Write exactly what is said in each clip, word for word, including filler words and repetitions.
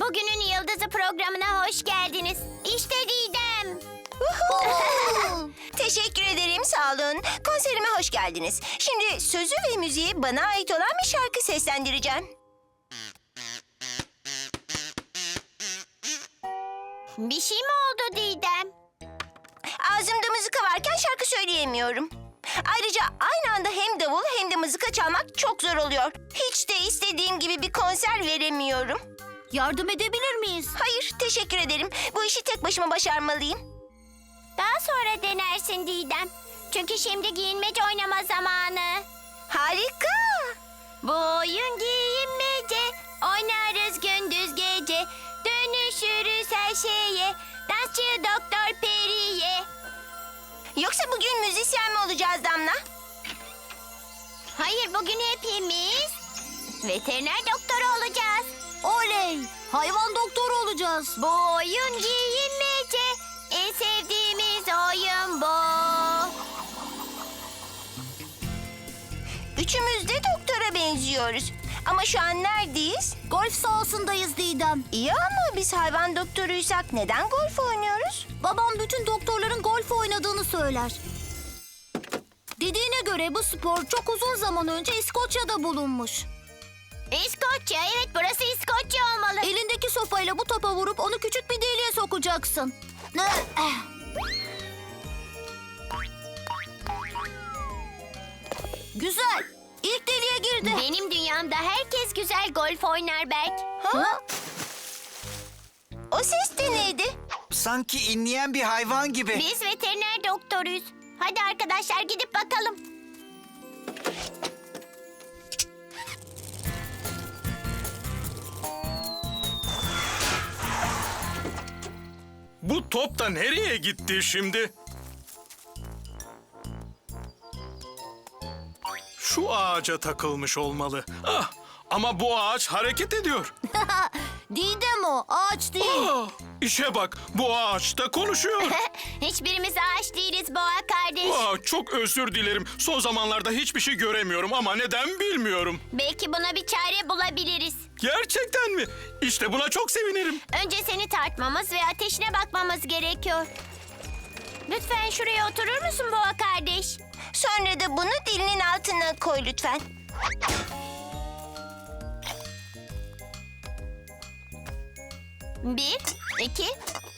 Bugünün Yıldızı programına hoş geldiniz. İşte Didem. Teşekkür ederim, sağ olun. Konserime hoş geldiniz. Şimdi sözü ve müziği bana ait olan bir şarkı seslendireceğim. Bir şey mi oldu Didem? Ağzımda mızıka varken şarkı söyleyemiyorum. Ayrıca aynı anda hem davul hem de mızıka çalmak çok zor oluyor. Hiç de istediğim gibi bir konser veremiyorum. Yardım edebilir miyiz? Hayır, teşekkür ederim. Bu işi tek başıma başarmalıyım. Daha sonra denersin Didem. Çünkü şimdi giyinmece oynama zamanı. Harika. Bu oyun giyinmece, oynarız gündüz gece. Dönüşürüz her şeye, dansçı doktor Peri'ye. Yoksa bugün müzisyen mi olacağız Damla? Hayır, bugün hepimiz veteriner doktoru olacağız. Oley! Hayvan doktoru olacağız. Bu oyun giyinmece, en sevdiğimiz oyun bu. Üçümüz de doktora benziyoruz. Ama şu an neredeyiz? Golf sahasındayız Didem. İyi ama biz hayvan doktoruysak neden golf oynuyoruz? Babam bütün doktorların golf oynadığını söyler. Dediğine göre bu spor çok uzun zaman önce İskoçya'da bulunmuş. İskoçya, evet burası İskoçya olmalı. Elindeki sopayla bu topa vurup onu küçük bir deliğe sokacaksın. Güzel. İlk deliğe girdi. Benim dünyamda herkes güzel golf oynar Berk. Ha? O ses de neydi? Sanki inleyen bir hayvan gibi. Biz veteriner doktoruyuz. Hadi arkadaşlar gidip bakalım. Bu top da nereye gitti şimdi? Şu ağaca takılmış olmalı. Ah, ama bu ağaç hareket ediyor. Didem o, ağaç değil. Ah, işe bak, bu ağaç da konuşuyor. Hiçbirimiz ağaç değiliz Boğa kardeş. Ah, çok özür dilerim. Son zamanlarda hiçbir şey göremiyorum ama neden bilmiyorum. Belki buna bir çare bulabiliriz. Gerçekten mi? İşte buna çok sevinirim. Önce seni tartmamız ve ateşine bakmamız gerekiyor. Lütfen şuraya oturur musun Boğa kardeş? Sonra da bunu dilinin altına koy lütfen. Bir, iki,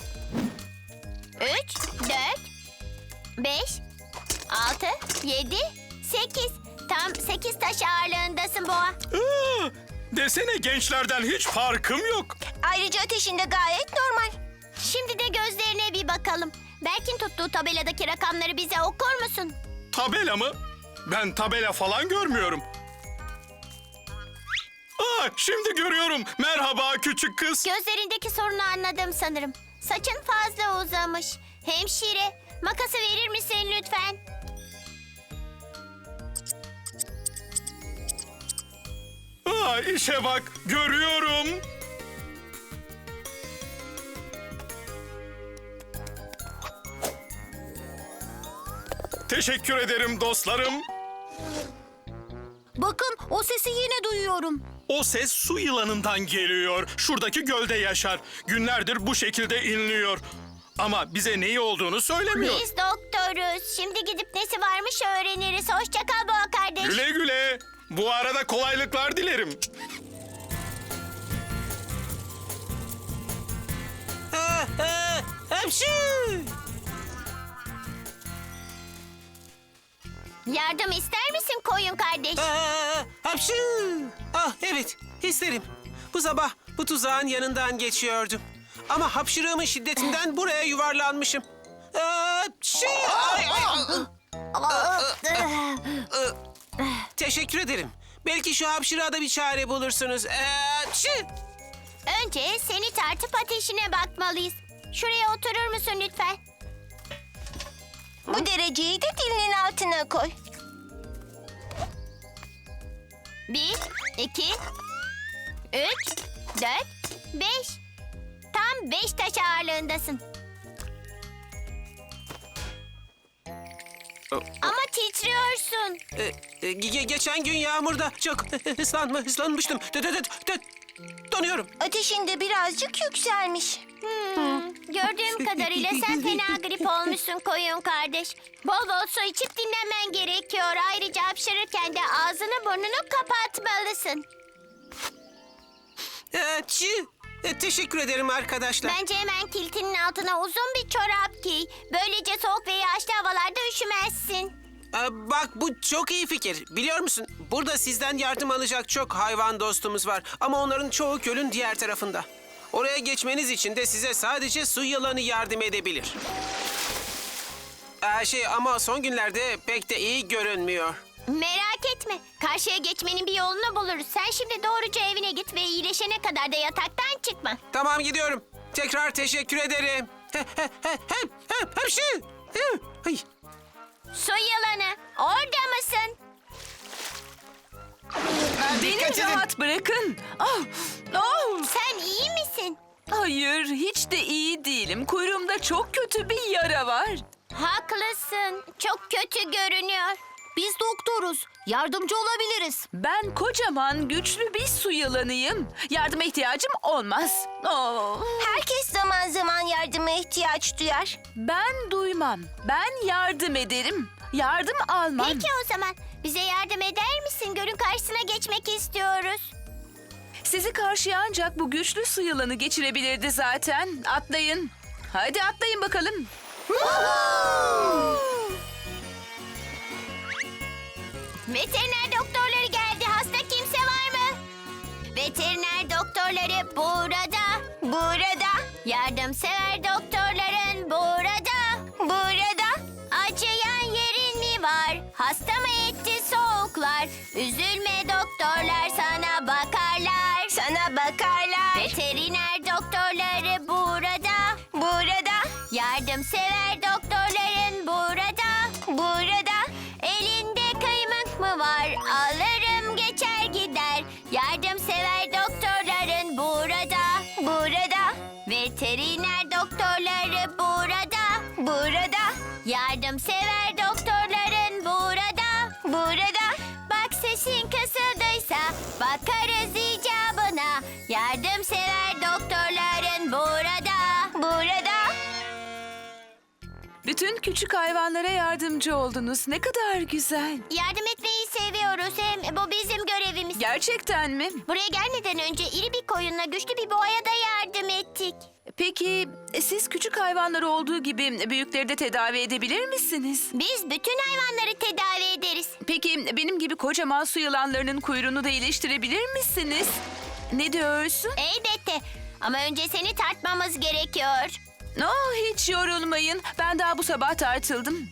üç, dört, beş, altı, yedi, sekiz. Tam sekiz taş ağırlığındasın Boğa. Ah, desene gençlerden hiç farkım yok. Ayrıca ateşinde gayet normal. Şimdi de gözlerine bir bakalım. Berk'in tuttuğu tabeladaki rakamları bize okur musun? Tabela mı? Ben tabela falan görmüyorum. Aa, şimdi görüyorum. Merhaba küçük kız. Gözlerindeki sorunu anladım sanırım. Saçın fazla uzamış. Hemşire, makası verir misin lütfen? Aa, işe bak, görüyorum. Teşekkür ederim dostlarım. Bakın o sesi yine duyuyorum. O ses su yılanından geliyor. Şuradaki gölde yaşar. Günlerdir bu şekilde inliyor. Ama bize neyi olduğunu söylemiyor. Biz doktoruz. Şimdi gidip nesi varmış öğreniriz. Hoşça kal Boğa kardeş. Güle güle. Bu arada kolaylıklar dilerim. Yardım ister misin koyun kardeş? Aa, hapşu! Ah evet, isterim. Bu sabah bu tuzağın yanından geçiyordum. Ama hapşırığımın şiddetinden buraya yuvarlanmışım. Hapşu! Ay, ay, ay. Teşekkür ederim. Belki şu hapşırığa da bir çare bulursunuz. Hapşu! Önce seni tartıp ateşine bakmalıyız. Şuraya oturur musun lütfen? Bu dereceyi de dilinin altına koy. Bir, iki, üç, dört, beş. Tam beş taş ağırlığındasın. Ama titriyorsun. Ee, e, ge- geçen gün yağmurda çok ıslanma, ıslanmıştım. Tö- tö- tö- tö- Donuyorum. Ateşin de birazcık yükselmiş. Hmm, gördüğüm kadarıyla sen fena grip olmuşsun koyun kardeş. Bol bol su içip dinlenmen gerekiyor. Ayrıca hapşırırken de ağzını burnunu kapatmalısın. Ee, çi. E, teşekkür ederim arkadaşlar. Bence hemen kiltinin altına uzun bir çorap giy. Böylece soğuk ve yağışlı havalarda üşümezsin. Ee, bak bu çok iyi fikir. Biliyor musun? Burada sizden yardım alacak çok hayvan dostumuz var. Ama onların çoğu gölün diğer tarafında. Oraya geçmeniz için de size sadece su yılanı yardım edebilir. Ee, şey ama son günlerde pek de iyi görünmüyor. Merak etme. Karşıya geçmenin bir yolunu buluruz. Sen şimdi doğruca evine git ve iyileşene kadar da yataktan çıkma. Tamam gidiyorum. Tekrar teşekkür ederim. He, he, he, he, he, hapşi. He, ay. Su yılanı, orada mısın? Beni Dikkat edin. rahat bırakın. Ah, ah. Sen iyi misin? Hayır, hiç de iyi değilim. Kuyruğumda çok kötü bir yara var. Haklısın. Çok kötü görünüyor. Biz doktoruz. Yardımcı olabiliriz. Ben kocaman, güçlü bir su yılanıyım. Yardıma ihtiyacım olmaz. Oh. Herkes zaman zaman yardıma ihtiyaç duyar. Ben duymam. Ben yardım ederim. Yardım almam. Peki o zaman bize yardım eder misin? Gölün karşısına geçmek istiyoruz. Sizi karşıya ancak bu güçlü su yılanı geçirebilirdi zaten. Atlayın. Hadi atlayın bakalım. Veteriner doktorları geldi. Hasta kimse var mı? Veteriner doktorları burada. Burada, Yardımsever doktorların burada. burada. Acıyan yerin mi var? Hasta mı etti soğuklar? Üzülme doktorlar sana bakarlar. Sana bakarlar. Veteriner doktorları burada. Burada, Yardımsever doktorların burada. burada. Elinde kıymık mı var? Alırım geçer gider. Yardımsever doktorların burada. Burada, Veteriner doktorları burada. burada, Yardımsever doktorların burada. burada. Bak sesin kısıldıysa bakarız icabına. Yardımsever doktorların burada. Burada. Bütün küçük hayvanlara yardımcı oldunuz. Ne kadar güzel. Yardım etmeyi seviyoruz. Hem bu bizim görevimiz. Gerçekten mi? Buraya gelmeden önce iri bir koyunla güçlü bir boğaya da yardım ettik. Peki e, siz küçük hayvanlar olduğu gibi büyükleri de tedavi edebilir misiniz? Biz bütün hayvanları tedavi ederiz. Peki benim gibi kocaman su yılanlarının kuyruğunu da iyileştirebilir misiniz? Ne diyorsun? Elbette. Ama önce seni tartmamız gerekiyor. Oh, hiç yorulmayın. Ben daha bu sabah tartıldım.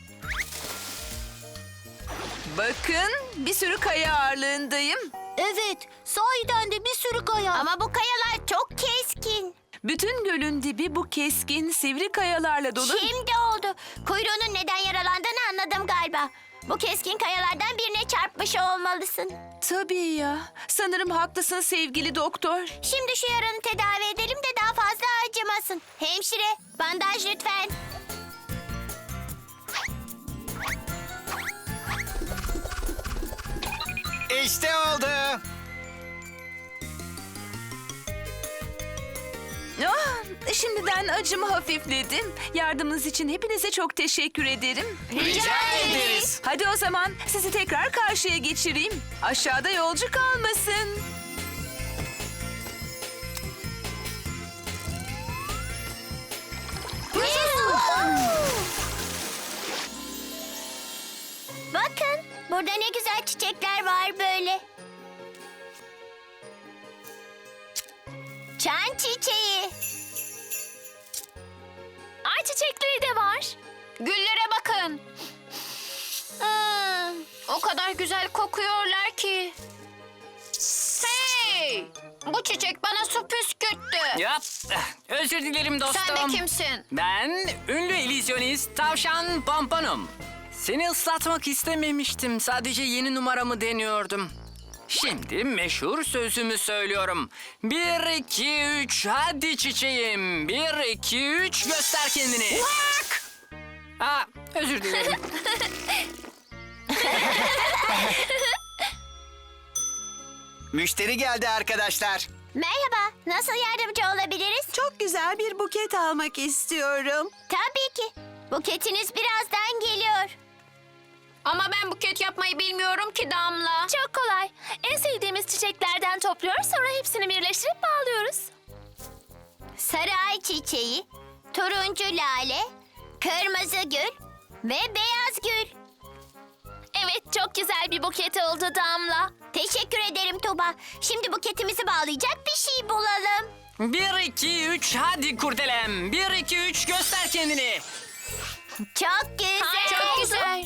Bakın, bir sürü kaya ağırlığındayım. Evet, sahiden de bir sürü kaya. Ama bu kayalar çok keskin. Bütün gölün dibi bu keskin, sivri kayalarla dolu. Şimdi oldu. Kuyruğunun neden yaralandığını anladım galiba. Bu keskin kayalardan birine çarpmış olmalısın. Tabii ya. Sanırım haklısın sevgili doktor. Şimdi şu yaranı tedavi edelim de daha fazla acımasın. Hemşire, bandaj lütfen. İşte oldu. Ah, şimdiden acımı hafifledim. Yardımınız için hepinize çok teşekkür ederim. Rica ederiz. Hadi o zaman sizi tekrar karşıya geçireyim. Aşağıda yolcu kalmasın. Bakın, burada ne güzel çiçekler var böyle. Çan çiçeği. Ay çiçekleri de var. Güllere bakın. Hmm, o kadar güzel kokuyorlar ki. Hey! Bu çiçek bana su püskürttü. Yap. Özür dilerim dostum. Sen de kimsin? Ben ünlü illüzyonist Tavşan Pomponum. Seni ıslatmak istememiştim. Sadece yeni numaramı deniyordum. Şimdi meşhur sözümü söylüyorum. Bir, iki, üç, hadi çiçeğim. Bir, iki, üç, göster kendini. Aa, özür dilerim. Müşteri geldi arkadaşlar. Merhaba, nasıl yardımcı olabiliriz? Çok güzel bir buket almak istiyorum. Tabii ki. Buketiniz birazdan geliyor. Ama ben buket yapmayı bilmiyorum ki Damla. Çok kolay. En sevdiğimiz çiçeklerden topluyor, sonra hepsini birleştirip bağlıyoruz. Sarı ay çiçeği, turuncu lale, kırmızı gül ve beyaz gül. Evet, çok güzel bir buket oldu Damla. Teşekkür ederim Tuba. Şimdi buketimizi bağlayacak bir şey bulalım. Bir, iki, üç, hadi kurdelem. Bir, iki, üç, göster kendini. Çok güzel. Çok güzel.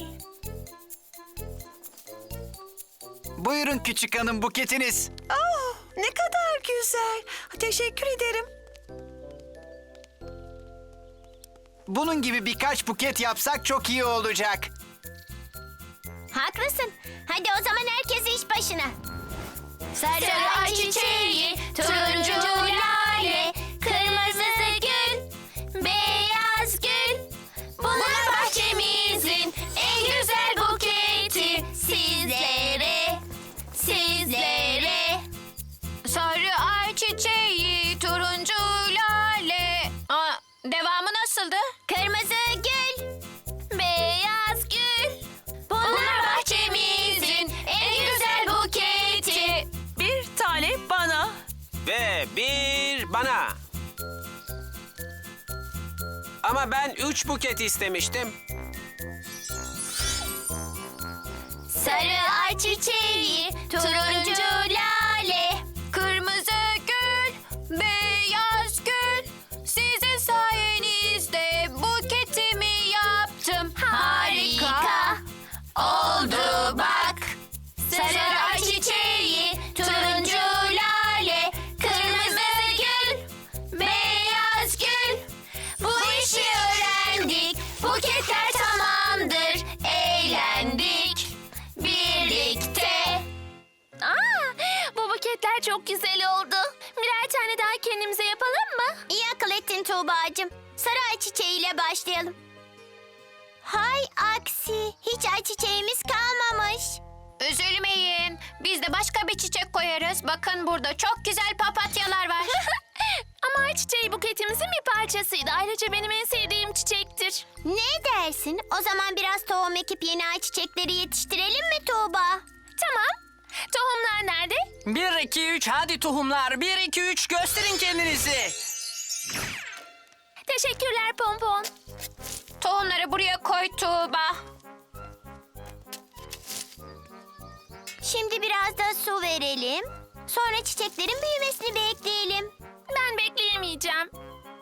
Buyurun küçük hanım buketiniz. Oh, ne kadar güzel. Teşekkür ederim. Bunun gibi birkaç buket yapsak çok iyi olacak. Haklısın. Hadi o zaman herkes iş başına. Sarı ay çiçeği, turuncu lale, kırmızı gül, beyaz gül. Bunlar bahçemizin en güzel buketi. Sizlere, sizlere. Sarı ay çiçeği, turuncu lale. Aa, devamı nasıldı? Kırmızı gül, beyaz gül. Bunlar bahçemizin en güzel buketi. Bir tane bana. Ve bir bana. Ama ben üç buket istemiştim. Sarı ay çiçeği, turuncu lale. Kırmızı gül, beyaz gül. Sizin sayenizde buketimi yaptım. Harika oldu bak. Sarı ay çiçeği, turuncu lale, kırmızı gül, beyaz gül. Bu işi öğrendik, buketler tamamdır, eğlendik birlikte. Aa, bu buketler çok güzel oldu. Birer tane daha kendimize yapalım mı? İyi akıl ettin Tuğba'cığım. Sarı ay çiçeğiyle başlayalım. Hay aksi, hiç ay çiçeğimiz kalmamış. Üzülmeyin. Biz de başka bir çiçek koyarız. Bakın burada çok güzel papatyalar var. Ama ay çiçeği buketimizin bir parçasıydı. Ayrıca benim en sevdiğim çiçektir. Ne dersin? O zaman biraz tohum ekip yeni ay çiçekleri yetiştirelim mi Tuğba? Tamam. Tohumlar nerede? Bir, iki, üç, hadi tohumlar. Bir, iki, üç, gösterin kendinizi. Teşekkürler Pompon. Tohumları buraya koy Tuğba. Şimdi biraz da su verelim. Sonra çiçeklerin büyümesini bekleyelim. Ben bekleyemeyeceğim.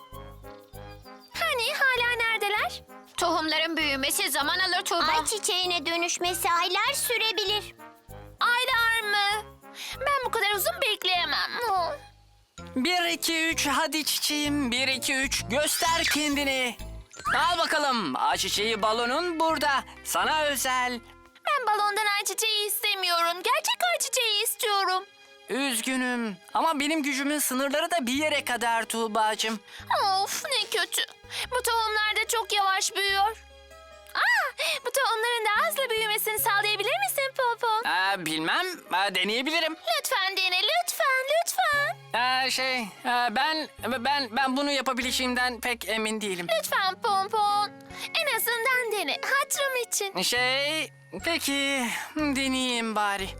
Hani hala neredeler? Tohumların büyümesi zaman alır Tuğba. Ay çiçeğine dönüşmesi aylar sürebilir. Aylar mı? Ben bu kadar uzun bekleyemem. Oh. Bir, iki, üç, hadi çiçeğim. Bir, iki, üç, göster kendini. Al bakalım. Ayçiçeği balonun burada. Sana özel. Ben balondan ay çiçeği istemiyorum. Gerçek ay çiçeği istiyorum. Üzgünüm ama benim gücümün sınırları da bir yere kadar Tuğba'cığım. Of ne kötü. Bu tohumlar da çok yavaş büyüyor. Aa, bu tohumların daha hızlı büyümesini sağlayabilir misin Pompon? Ee, bilmem, ee, deneyebilirim. Lütfen dene, lütfen, lütfen. Ee, şey, ee, ben ben ben bunu yapabileceğimden pek emin değilim. Lütfen Pompon. En azından dene, hatırım için. Şey, peki deneyeyim bari.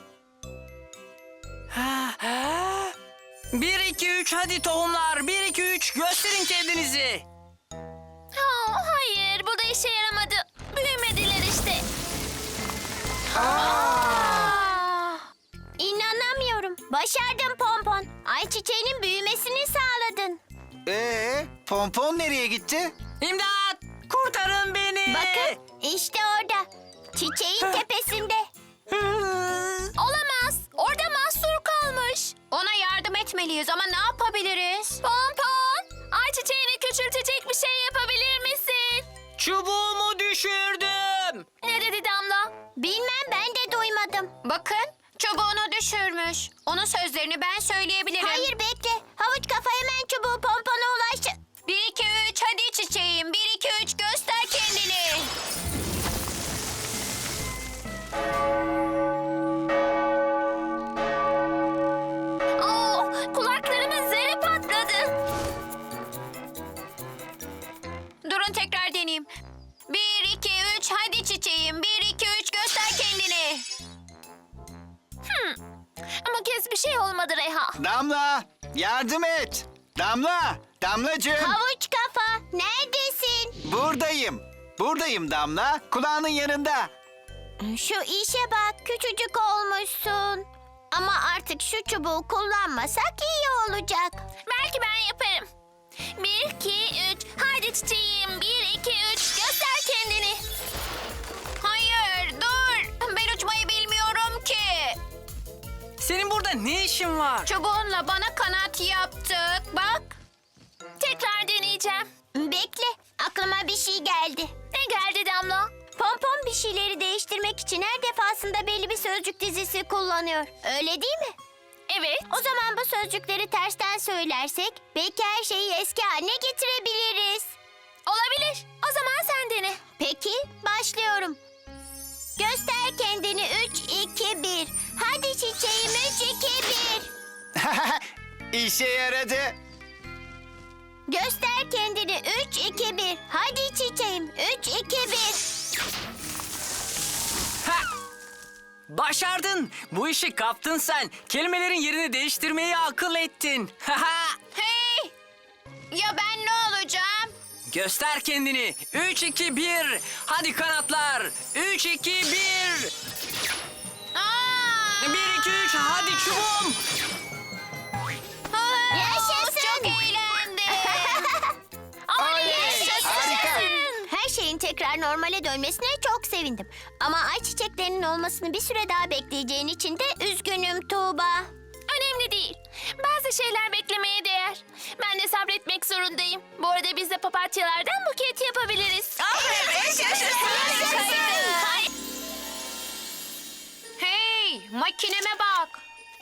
Ha, ha. Bir, iki, üç, hadi tohumlar. Bir, iki, üç, gösterin kendinizi. Oh, hayır, bu da işe yaramadı. Büyümediler işte. İnanamıyorum. Başardın Pompon. Ay çiçeğinin büyümesini sağladın. Ee, pompon nereye gitti? İmdat! Kurtarın beni! Bakın işte orada. Çiçeğin tepesinde. Olamaz, orada mahsur kalmış. Ona yardım etmeliyiz ama ne yapabiliriz? Pompon, ay çiçeğini küçültecek bir şey yapabilir misin? Çubuğumu düşürdüm. Ne dedi Damla? Bilmem ben de duymadım. Bakın çubuğunu düşürmüş. Onun sözlerini ben söyleyebilirim. Hayır bekle. Havuç kafa hemen çubuğu Pompon'a ulaştı. Bir, iki, üç, hadi çiçeğim. Bir, iki, üç, göster kendini. Oh, kulak Durun tekrar deneyeyim. Bir, iki, üç, hadi çiçeğim. Bir, iki, üç, göster kendini. Ama kez bir şey olmadı Reha. Damla, yardım et. Damla, Damlacığım. Havuç kafa, neredesin? Buradayım. Buradayım Damla. Kulağının yanında. Şu işe bak, küçücük olmuşsun. Ama artık şu çubuğu kullanmasak iyi olacak. Belki ben yaparım. Bir, iki, üç. Haydi çiçeğim. Bir, iki, üç. Göster kendini. Hayır, dur. Ben uçmayı bilmiyorum ki. Senin burada ne işin var? Çubuğunla bana kanat yaptık. Bak. Tekrar deneyeceğim. Bekle, aklıma bir şey geldi. Ne geldi Damla? Pompon bir şeyleri değiştirmek için her defasında belli bir sözcük dizisi kullanıyor. Öyle değil mi? Evet. O zaman bu sözcükleri tersten söylersek belki her şeyi eski haline getirebiliriz. Olabilir. O zaman sen dene. Peki, başlıyorum. Göster kendini üç, iki, bir. Hadi çiçeğim üç, iki, bir. İşe yaradı. Göster kendini üç, iki, bir. Hadi çiçeğim üç, iki, bir. Ha! Başardın. Bu işi kaptın sen. Kelimelerin yerini değiştirmeyi akıl ettin. Haha! Hey! Ya ben ne olacağım? Göster kendini. Üç, iki, bir. Hadi kanatlar. Üç, iki, bir. Aa! Bir, iki, üç. Hadi çubuğum. Yaşasın. Çok eğlendim. Oley! Yaşasın. Harika. Her şeyin tekrar normale dönmesine çok sevindim. Ama ay çiçeklerinin olmasını bir süre daha bekleyeceğin için de üzgünüm Tuğba. Önemli değil. Bazı şeyler beklemeye değer. Ben de sabretmek zorundayım. Bu arada biz de papatyalardan buket yapabiliriz. Hey, makineme bak.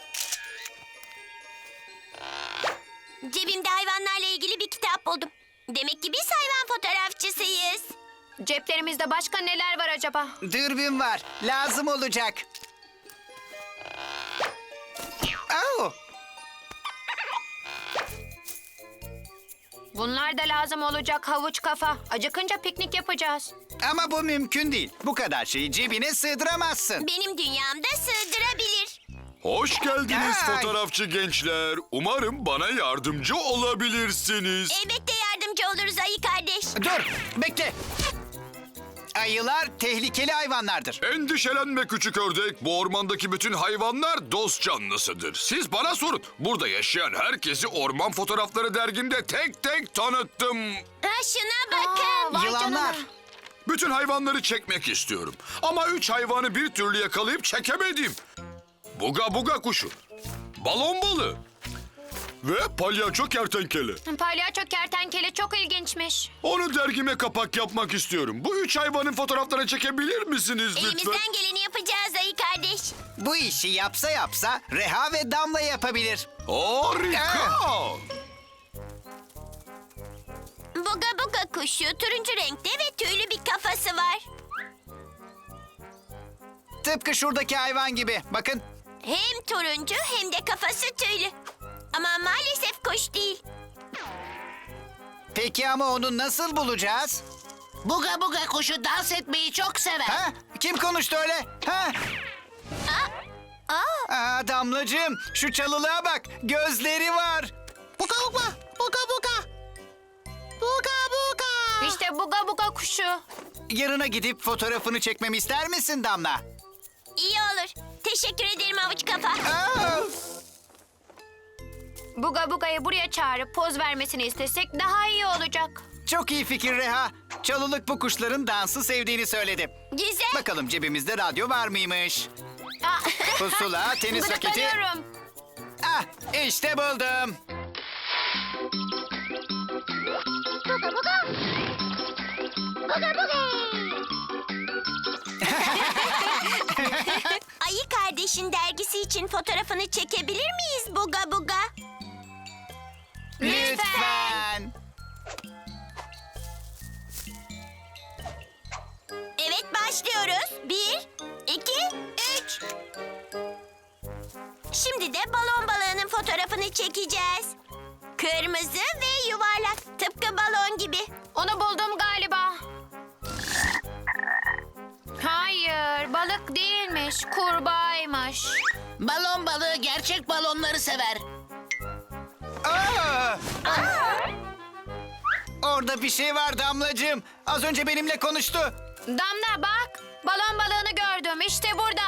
Cebimde hayvanlarla ilgili bir kitap buldum. Demek ki biz hayvan fotoğrafçısıyız. Ceplerimizde başka neler var acaba? Dürbün var. Lazım olacak. Au! Bunlar da lazım olacak havuç kafa. Acıkınca piknik yapacağız. Ama bu mümkün değil. Bu kadar şeyi cebine sığdıramazsın. Benim dünyamda sığdırabilir. Hoş geldiniz Ay. fotoğrafçı gençler. Umarım bana yardımcı olabilirsiniz. Elbette yardımcı oluruz ayı kardeş. Dur, bekle. Ayılar tehlikeli hayvanlardır. Endişelenme küçük ördek. Bu ormandaki bütün hayvanlar dost canlısıdır. Siz bana sorun. Burada yaşayan herkesi Orman Fotoğrafları dergimde tek tek tanıttım. Ha, şuna bakın. Yılanlar. Bütün hayvanları çekmek istiyorum. Ama üç hayvanı bir türlü yakalayıp çekemedim. Buga buga kuşu, balon balığı ve palyaço kertenkele. Palyaço kertenkele çok ilginçmiş. Onu dergime kapak yapmak istiyorum. Bu üç hayvanın fotoğraflarını çekebilir misiniz lütfen? Elimizden geleni yapacağız ayı kardeş. Bu işi yapsa yapsa Reha ve Damla yapabilir. Harika! Buga buga kuşu turuncu renkte ve tüylü bir kafası var. Tıpkı şuradaki hayvan gibi. Bakın. Hem turuncu hem de kafası tüylü. Ama maalesef kuş değil. Peki ama onu nasıl bulacağız? Buga buga kuşu dans etmeyi çok sever. Ha? Kim konuştu öyle? Ha? Aa, Aa, Damlacığım, şu çalılığa bak. Gözleri var. Buga buga, buga buga. Buga buga. işte buga buga kuşu. Yanına gidip fotoğrafını çekmemi ister misin Damla? İyi olur. Teşekkür ederim avuç kafa. Aa! Buga buga'yı buraya çağırıp poz vermesini istesek daha iyi olacak. Çok iyi fikir Reha. Çalılık bu kuşların dansı sevdiğini söyledi. Güzel. Bakalım cebimizde radyo var mıymış? Aa, Pusula, tenis raketi. gıdıklanıyorum. Ah, işte buldum. Buga buga. Buga buga. Ayı kardeşin dergisi için fotoğrafını çekebilir miyiz Buga buga? Lütfen. Evet başlıyoruz. Bir, iki, üç. Şimdi de balon balığının fotoğrafını çekeceğiz. Kırmızı ve yuvarlak. Tıpkı balon gibi. Onu buldum galiba. değilmiş, kurbağaymış. Balon balığı gerçek balonları sever. Aa! Orada bir şey var Damlacığım. Az önce benimle konuştu. Damla bak, balon balığını gördüm. İşte burada.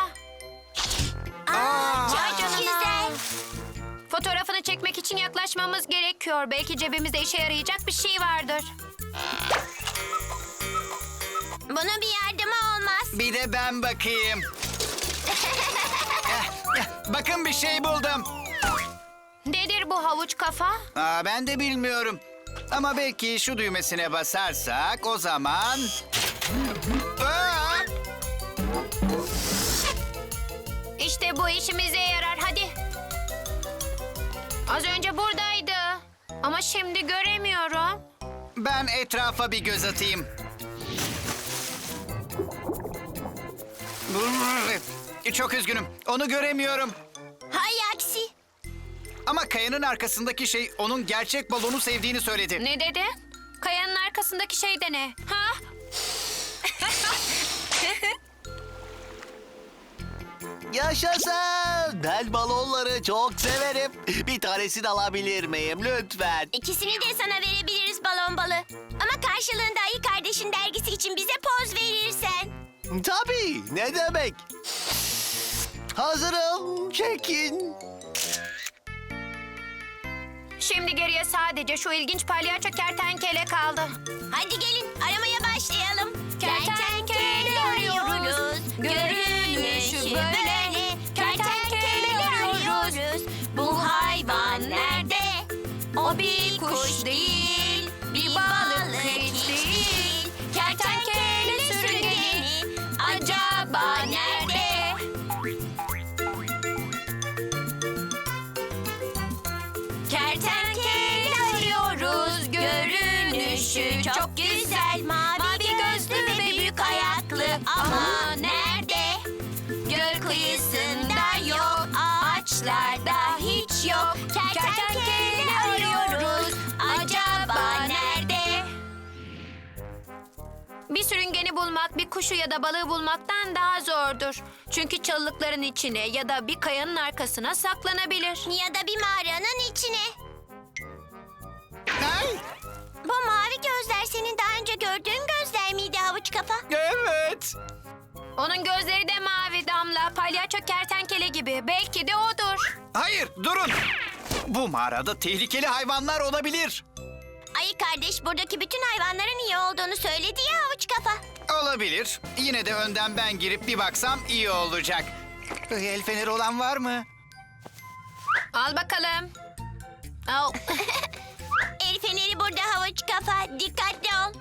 Aa! Çok güzel. Fotoğrafını çekmek için yaklaşmamız gerekiyor. Belki cebimizde işe yarayacak bir şey vardır. Bunun bir yardımı olmaz. Bir de ben bakayım. Eh, eh, Bakın bir şey buldum. Nedir bu havuç kafa? Aa, ben de bilmiyorum. Ama belki şu düğmesine basarsak o zaman... Aa! İşte bu işimize yarar. Hadi. Az önce buradaydı. Ama şimdi göremiyorum. Ben etrafa bir göz atayım. Çok üzgünüm. Onu göremiyorum. Hay aksi. Ama kayanın arkasındaki şey onun gerçek balonu sevdiğini söyledi. Ne dedi? Kayanın arkasındaki şey de ne? Ha? Yaşasın! Ben balonları çok severim. Bir tanesini alabilir miyim lütfen? İkisini de sana verebiliriz balon balı. Ama karşılığında Ayı Kardeş'in dergisi için bize poz verirsen. Tabii, ne demek? Hazırım, çekin. Şimdi geriye sadece şu ilginç palyaço kertenkele kaldı. Hadi gelin aramaya başlayalım. Kertenkele arıyoruz, görünüşü böyle. Kertenkele arıyoruz, bu hayvan nerede? O bir kuş değil, bir balık hiç değil. Kertenkele sürüngeni acaba nerede? Kertenkele arıyoruz, görünüşü çok güzel. Mavi gözlü ve büyük ayaklı ama nerede? Göl kıyısında yok, ağaçlarda hiç yok. Kertenkele arıyoruz, acaba nerede? Bir sürüngeni bulmak bir kuşu ya da balığı bulmaktan daha zordur. Çünkü çalılıkların içine ya da bir kayanın arkasına saklanabilir. Ya da bir mağaranın içine. Ay, Bu mavi gözler senin daha önce gördüğün gözler miydi havuç kafa? evet. Onun gözleri de mavi Damla, palyaço kertenkele gibi. Belki de odur. Hayır, durun. Bu mağarada tehlikeli hayvanlar olabilir. Ayı Kardeş buradaki bütün hayvanların iyi olduğunu söyledi ya havuç kafa. Olabilir. Yine de önden ben girip bir baksam iyi olacak. El feneri olan var mı? Al bakalım. Al. El feneri burada havuç kafa. Dikkatli ol.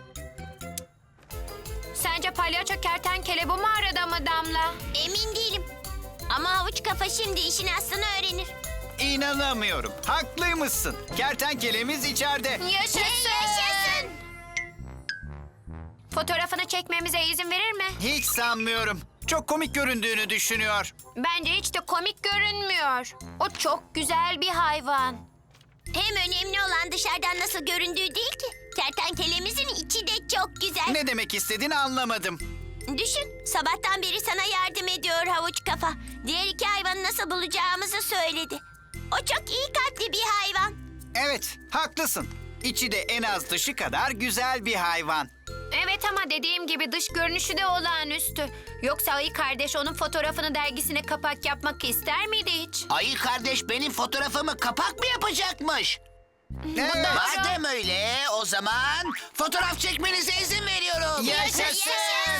Sence palyaço kertenkele bu mağarada mı Damla? Emin değilim. Ama havuç kafa şimdi işin aslını öğrenir. İnanamıyorum. Haklıymışsın. Kertenkelemiz içeride. Yaşasın. Yaşasın. Fotoğrafını çekmemize izin verir mi? Hiç sanmıyorum. Çok komik göründüğünü düşünüyor. Bence hiç de komik görünmüyor. O çok güzel bir hayvan. Hem önemli olan dışarıdan nasıl göründüğü değil ki. Kertenkelemizin içi de çok güzel. Ne demek istediğini anlamadım. Düşün, sabahtan beri sana yardım ediyor havuç kafa. Diğer iki hayvanı nasıl bulacağımızı söyledi. O çok iyi kalpli bir hayvan. Evet, haklısın. İçi de en az dışı kadar güzel bir hayvan. Evet ama dediğim gibi dış görünüşü de olağanüstü. Yoksa Ayı Kardeş onun fotoğrafını dergisine kapak yapmak ister miydi hiç? Ayı kardeş benim fotoğrafımı kapak mı yapacakmış? Evet. Madem öyle o zaman fotoğraf çekmenize izin veriyorum. Yaşasın.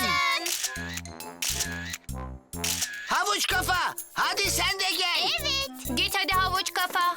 Havuç kafa hadi sen de gel. Evet. Git hadi havuç kafa.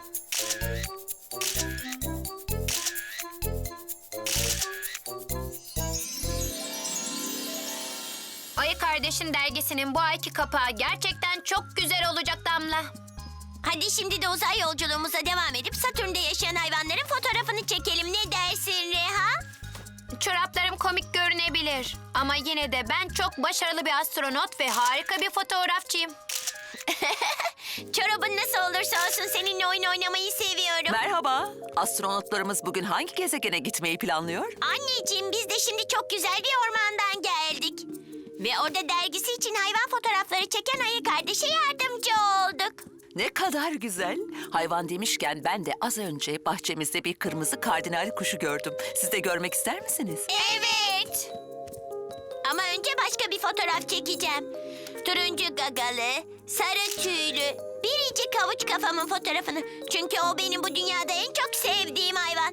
Ayı Kardeş'in dergisinin bu ayki kapağı gerçekten çok güzel olacak Damla. Hadi şimdi de uzay yolculuğumuza devam edip Satürn'de yaşayan hayvanların fotoğrafını çekelim. Ne dersin Reha? Çoraplarım komik görünebilir ama yine de ben çok başarılı bir astronot ve harika bir fotoğrafçıyım. Çorabın nasıl olursa olsun seninle oyun oynamayı seviyorum. Merhaba. Astronotlarımız bugün hangi gezegene gitmeyi planlıyor? Anneciğim biz de şimdi çok güzel bir ormandan geldik. Ve orada dergisi için hayvan fotoğrafları çeken ayı kardeşe yardımcı olduk. Ne kadar güzel. Hayvan demişken ben de az önce bahçemizde bir kırmızı kardinal kuşu gördüm. Siz de görmek ister misiniz? Evet. Ama önce başka bir fotoğraf çekeceğim. Turuncu gagalı, sarı tüylü, biricik havuç kafamın fotoğrafını. Çünkü o benim bu dünyada en çok sevdiğim hayvan.